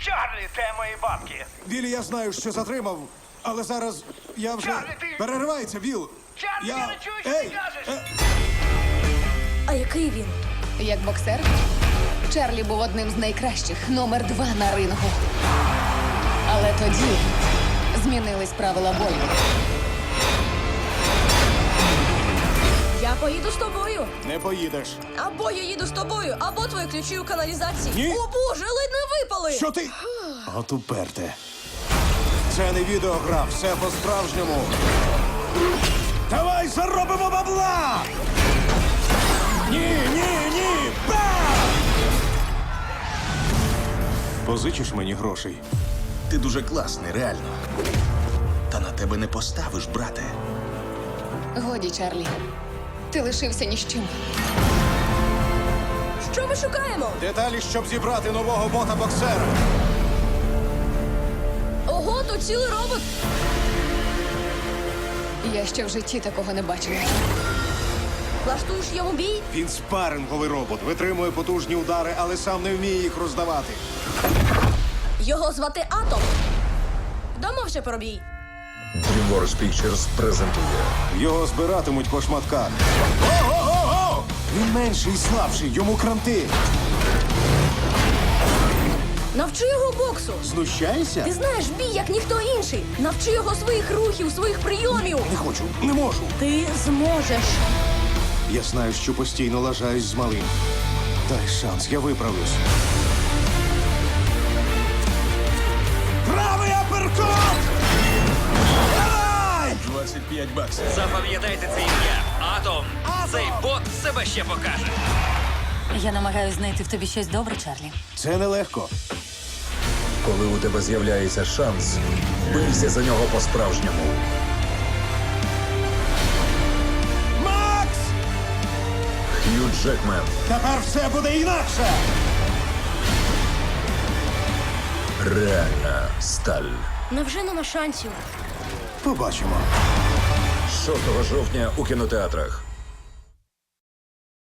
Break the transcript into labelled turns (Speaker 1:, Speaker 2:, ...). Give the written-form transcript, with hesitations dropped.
Speaker 1: Чарлі, де мої бабки?
Speaker 2: Вілі, я знаю, що затримав, але зараз я вже...
Speaker 1: Чарлі, ти-
Speaker 2: Переривається, Віл!
Speaker 1: Чарлі, я не чую, що ти кажеш!
Speaker 3: А який він?
Speaker 4: Як боксер, Чарлі був одним з найкращих, номер 2 на рингу. Але тоді змінились правила бою.
Speaker 3: Я поїду з тобою.
Speaker 2: Не поїдеш.
Speaker 3: Або я їду з тобою, або твої ключі у каналізації.
Speaker 2: Ні.
Speaker 3: О боже, ледь не випали!
Speaker 2: Що ти? От уперте. Це не відеогра, все по-справжньому. Давай заробимо бабла! Ні! Бам! Позичиш мені грошей?
Speaker 5: Ти дуже класний, реально. Та на тебе не поставиш, брате.
Speaker 4: Годі, Чарлі. Ти лишився ні з чим.
Speaker 3: Що ми шукаємо?
Speaker 2: Деталі, щоб зібрати нового бота-боксера.
Speaker 3: Ого, тут цілий робот.
Speaker 4: Я ще в житті такого не бачила.
Speaker 3: Влаштуєш йому бій?
Speaker 2: Він спаринговий робот, витримує потужні удари, але сам не вміє їх роздавати.
Speaker 3: Його звати Атом. Домовся про бій.
Speaker 6: DreamWorks Pictures презентує
Speaker 2: Його збиратимуть по шматках. Ого-го-го! Він менший і слабший, йому кранти.
Speaker 3: Навчи його боксу.
Speaker 2: Знущаєшся?
Speaker 3: Ти знаєш бій, як ніхто інший. Навчи його своїх рухів, своїх прийомів.
Speaker 2: Не хочу, не можу.
Speaker 3: Ти зможеш.
Speaker 2: Я знаю, що постійно лажаюсь з малим. Дай шанс, я виправлюсь. Правий аперкот! Давай!
Speaker 5: 25 баксів.
Speaker 1: Запам'ятайте це ім'я. Атом. Цей бот себе ще покаже.
Speaker 7: Я намагаюся знайти в тобі щось добре, Чарлі.
Speaker 2: Це нелегко.
Speaker 6: коли у тебе з'являється шанс, бийся за нього по-справжньому.
Speaker 2: Макс!
Speaker 6: Хью Джекмен,
Speaker 2: Тепер все буде інакше!
Speaker 6: реальна сталь.
Speaker 3: Невже нема шансів?
Speaker 2: Побачимо.
Speaker 6: 6 жовтня у кінотеатрах.